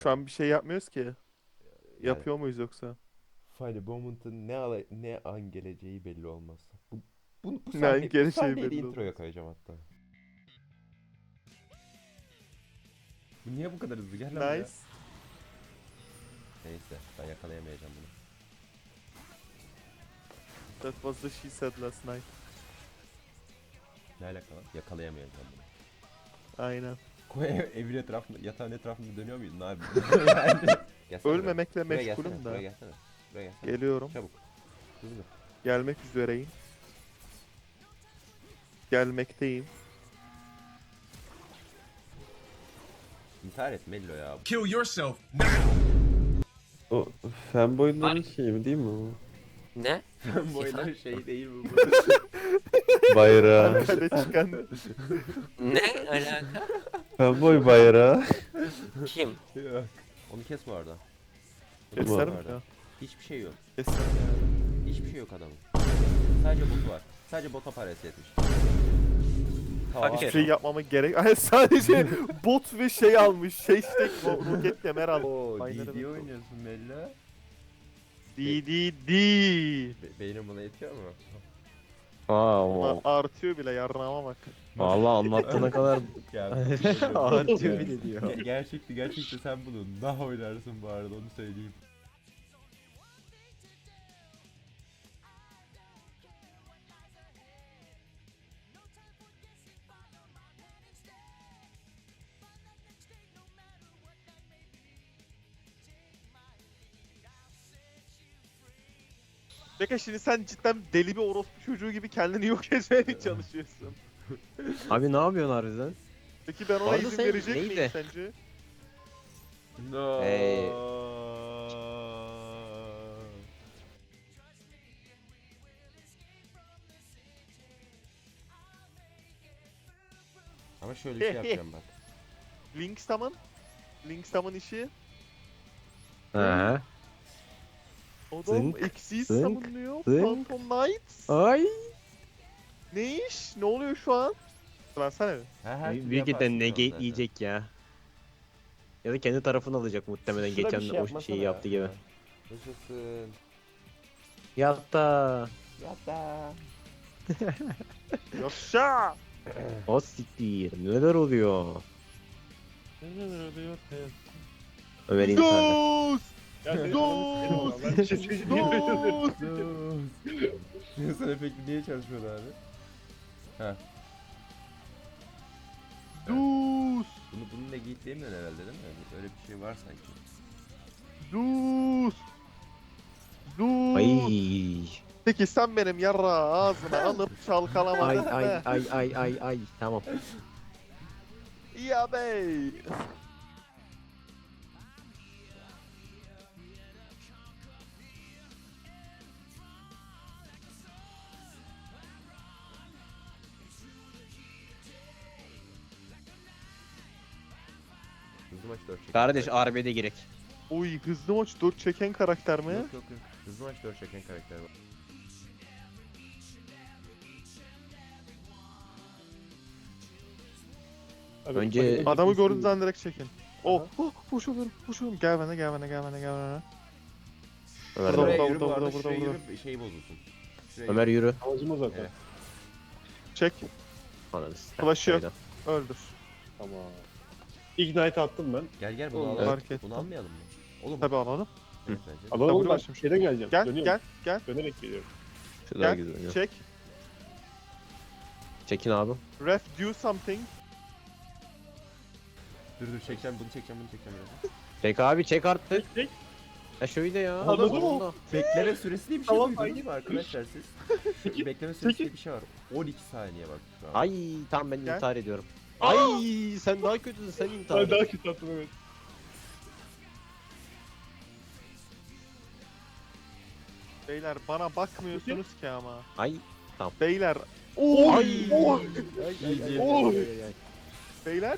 Şu an bir şey yapmıyoruz ki. Yani Yapıyor muyuz yoksa? Funny Moment'ın ne an geleceği belli olmaz. Bu Yani sahne bu geleceği sahneyi de belli introya olmaz. koyacağım hatta. Bu niye bu kadar hızlı? Gel lan buraya. Nice. Neyse ben yakalayamayacağım bunu. That was the she said last night. Ne alaka lan? Yakalayamayacağım bunu. Aynen. Koy evin etrafında, yatağın etrafında dönüyor muydun abi? Yani. Gelsene Ölmemekle buraya meşgulüm gelsene, da. buraya gelsene. Buraya gelsene. Geliyorum. Çabuk. Hızlı. Gelmek üzereyim. Gelmekteyim. İntihar et Mello ya. Kill yourself. O fanboyların şeyi mi değil mi o? Ne? Boylar şey değil mi bu? Bayrağı. Arkada çıkan. Ne alaka? Fanboy bayrağı. Kim? Yok. Onu kes bu arada. Keserim Var. ya. Hiçbir şey yok. Keserim yani. Hiçbir şey yok adamın. Sadece bot var. Sadece bota parası yetmiş. Tamam. Hiçbir şey yapmama gerek. Ay sadece bot ve şey almış. Şey işte roket kemer almış. Oo, Aynen DD öyle. oynuyorsun Mello. DDD. Beynim buna yetiyor mu? Wow. Artıyor bile yarrağıma bak. Vallahi anlattığına kadar Ya, artıyor bile diyor. Gerçekten sen bunu daha oynarsın bu arada onu söyleyeyim. Peki şimdi sen cidden deli bir orospu çocuğu gibi kendini yok etmeye mi çalışıyorsun? Abi ne yapıyorsun harbiden? Peki ben ona Arada izin sen verecek neydi? miyim sence? No. Ama şöyle bir şey yapacağım bak. Linkstam'ın işi. He. Adam Zınk, eksiği zınk, savunuyor. zınk. Phantom Knights. Ay. Ne iş? Ne oluyor şu an? Lansana bir. Her türlü Büyük ihtimalle yaparsın negate zaten. yiyecek ya. Ya da kendi tarafını alacak muhtemelen Şurada bir geçen şey o yapmasana şeyi ya. yaptı gibi. Yaşasın. Yatta. Yatta. Yaşa! O siktir. Neler oluyor? Ömer intihar. Dost! Dost! Dost! Sen efekti niye çalışmıyordu abi? Ha. Dost! Bunu negate demiyorsun herhalde değil mi? Öyle bir şey var sanki. Dost! Dost! Ay. Peki sen benim yarra ağzına alıp çalkalamadın Ay mı? ay. Tamam. Ya bey! Hızlı maç 4 çeken Kardeş karakter. RB'de girek. Oy hızlı maç 4 çeken karakter mi? Yok. Hızlı maç 4 çeken karakter var. Önce Adamı gördüğünüz an direkt çekin. Oh, hoş olurum. Gel bana. Ömer, Burada, Şuraya burada, yürü bu burada, arada, burada, şuraya burada. yürü, şey bozulsun. Şuraya Ömer yürü. Amacım o zaten. Evet. Çek, Ananı Flash'ı yok. sikeyim. öldür. Tamam. Ignite attım ben. Gel bunu Oğlum, alalım. fark ettim. Bunu almayalım mı? Oğlum. Tabii alalım. Evet, bence. Alalım Tabii ben başım. şeyden geleceğim. Gel, Dönüyorum. gel. Dönerek geliyorum. Şu daha Gel, güzel. çek. Çekin abi. Ref, do something. Dur çekeceğim bunu çekeceğim biraz. Çek abi çek artık. Çek. Ya şöyle ya. Anladın mı? Allah. Bekleme süresi diye bir şey Tamam, duydunuz aynen. mu arkadaşlar siz? Bekleme süresi diye bir şey var. 12 saniye bak şu an. Ay tamam ben Gel. intihar ediyorum. Ay sen daha kötüsün sen intihar Ben et. daha kötü attım evet. Beyler bana bakmıyorsunuz ki ama. Ay. Beyler. Ay. Oh! Ay. Oh! Ay. Beyler.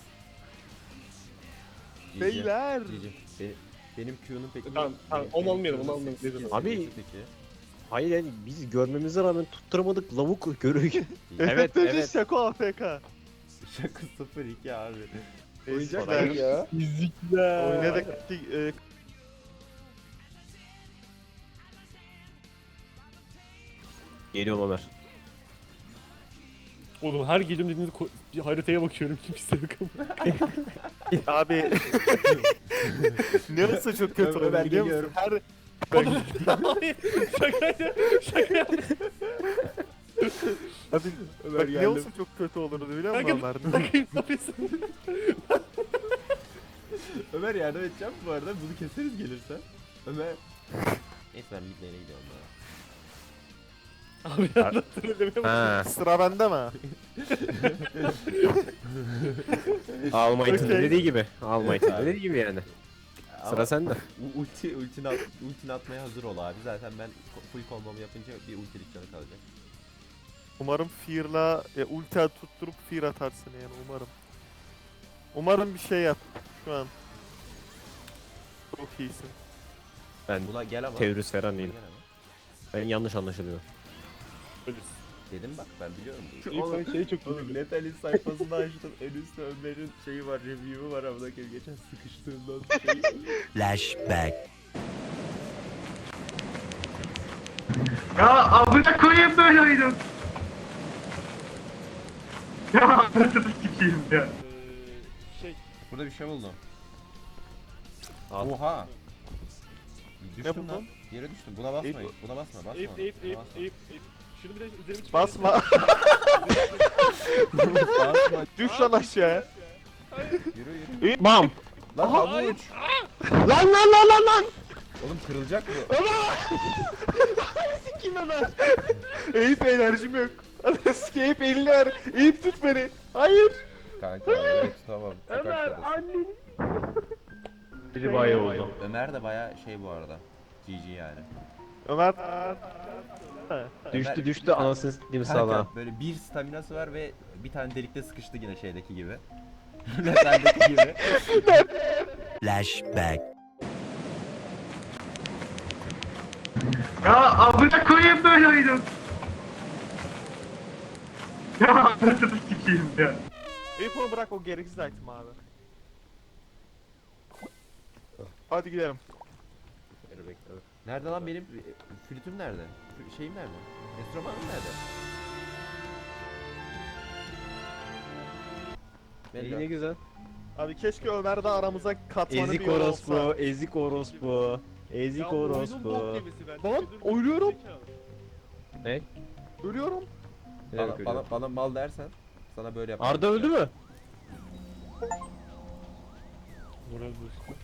GG. Beyler. GG. Benim Q'nun peki... Tamam, onu almayalım, onu almayalım. Abi- Peki. Hayır yani biz görmemize rağmen tutturamadık lavuk görüyor. Evet, Evet, evet. evet. Şako AFK. Şaka 0-2 abi. Oyuncak Güzel. ya. Fizikler. Oynadık. Geliyorum Ömer. Oğlum her geliyorum dediğinizde bir haritaya bakıyorum kimse yok ama. Abi. Neresi çok kötü Ömer oldu biliyor musun? geliyorum. Her Oğlum hayır şakaydı. Şaka Abi Ömer bak ne geldim. olsa çok kötü olurdu biliyor musun Kanka, Ömer? ne yapıyorsun? Ömer yardım edeceğim bu arada. Bunu keseriz gelirse. Ömer. Neyse ben mid lane'e gidiyorum ya. Abi anlattığını demeye Ha, Sıra bende mi? All Might'ın Okey. dediği gibi. All Might'ın dediği gibi yani. Ama Sıra sende. ultini atmaya hazır ol abi. Zaten ben full combo'mu yapınca bir ultilik canı kalacak. Umarım Fear'la ulti tutturup Fear atarsın yani umarım. Umarım bir şey yap şu an. Çok iyisin. Ben Buna gel ama. terörist falan değilim. Gel ama. Ben yanlış anlaşılıyor. Dedim bak ben biliyorum. İlk şey çok Oğlum Letal'in sayfasını açtım. En üstte Ömer'in şeyi var, review'u var ama geçen sıkıştığımdan şey. Flashback. Ya amına koyayım böyle oyunu. Ya anasını sikeyim ya. şey Burada bir şey buldum. Al. Oha. Düştüm buldun? lan. Yere düştüm. Buna basmayın. Eyüp. Buna basma. Basma. Eyüp ona, Eyüp buna Eyüp basma. Eyüp Eyüp. Şunu bir de üzerime çıkar. Basma. Basma. Düş lan aşağıya. Yürü yürü. Bam! Lan havuç. Lan! Oğlum kırılacak bu. Kim Ömer? Eyüp enerjim yok. Eyüp elini ver. Eyüp tut beni. Hayır. Kanka evet tamam. Ömer Anneni. Biri bayağı oldu. Ömer de baya şey bu arada. GG yani. Ömer. Düştü anasını s**eyim sana. Kanka böyle bir staminası var ve bir tane delikte sıkıştı yine şeydeki gibi. Metal'deki gibi. Flashback. Ya amına koyayım böyle oyunu. Ya anasını sikeyim ya. Eyüp onu bırak o gereksiz item abi. Hadi gidelim. Nerede lan benim flütüm nerede? Şeyim nerede? Enstrümanım nerede? İyi ne güzel. Abi keşke Ömer de aramıza katmanı Ezik bir yol orospu, olsa. ezik orospu. Ezik orospu. Lan ölüyorum. Ne? Ölüyorum. Ne demek öyle? Bana mal dersen sana böyle yap. Arda öldü mü? Moral boost.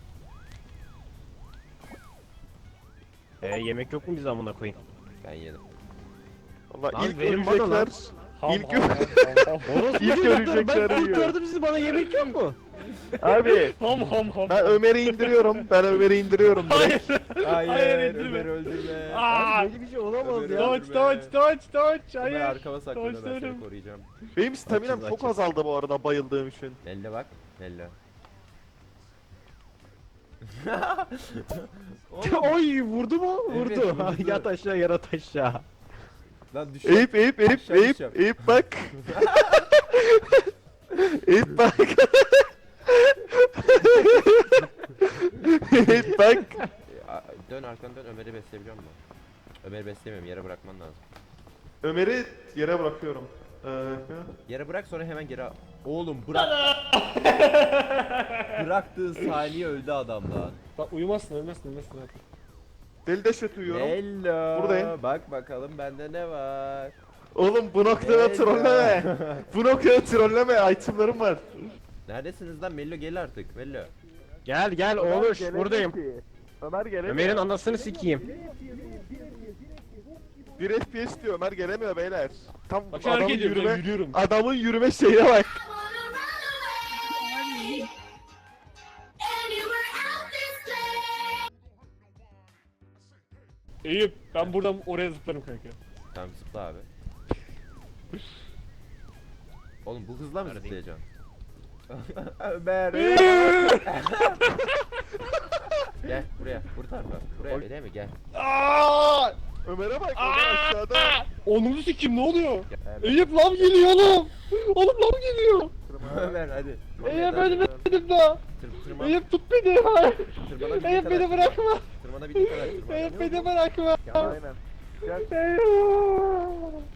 Yemek yok mu bize amına koyayım? Ben yedim. Valla Lan ilk verin bana ölecekler. lan. İlk Orospu İlk çocuklar, ölecekler ben yiyor. kurtardım sizi, bana yemek yok mu? Abi Ham. ben Ömer'i indiriyorum. Ben Ömer'i indiriyorum. direkt. Hayır, Hayır, indirme. Ömer öldürme. Aa! Böyle bir şey olamaz Ömer ya. öldü. Touch. Ömer Hayır. arkama saklanıyor ben seni Touchlarım. koruyacağım. Benim staminam çok Açız. azaldı bu arada bayıldığım için. Lelle bak. Lelle. Oy vurdu mu? Evet, Vurdu. vurdu. Yat aşağı yat aşağı. Lan düş. Eyüp Aşağı düşeceğim. Eyüp bak. Eyüp bak. Eyüp bak. Dön arkanı dön Ömer'i besleyebiliyor musun? Ömer'i beslemiyorum yere bırakman lazım. Ömer'i yere bırakıyorum. Yere bırak sonra hemen geri al. Oğlum bırak. Bıraktığı saniye öldü adam lan. Bak uyumazsın ölmezsin. Deli deşet uyuyorum. Hello. Buradayım. Bak bakalım bende ne var. Oğlum bu noktada Hello. trolleme. Bu noktada trolleme. Itemlarım var. Neredesiniz lan Mello gel artık Mello. Gel oğluş buradayım. Ömer gelemiyor. Ömer'in anasını sikeyim. 1 FPS diyor. Ömer gelemiyor beyler. Tam Bak şu hareket ediyorum ben yürüyorum. adamın yürüme şeyine bak. Eyüp ben buradan oraya zıplarım kanka. Tamam zıpla abi. Oğlum bu hızla mı zıplayacaksın? Ömer. Gel buraya. Bu tarafa. Buraya öyle mi? Gel. Aa! Ömer'e bak. Ömer aşağıda. Onunu sikeyim ne oluyor? Gel. Eyüp lav geliyor oğlum. Oğlum lav geliyor. Ömer hadi. Eyüp ölmedim daha. Eyüp tut beni. Eyüp beni bırakma. Tırmanabildiğin kadar tırman. Eyüp beni bırakma. Aynen. Eyüp.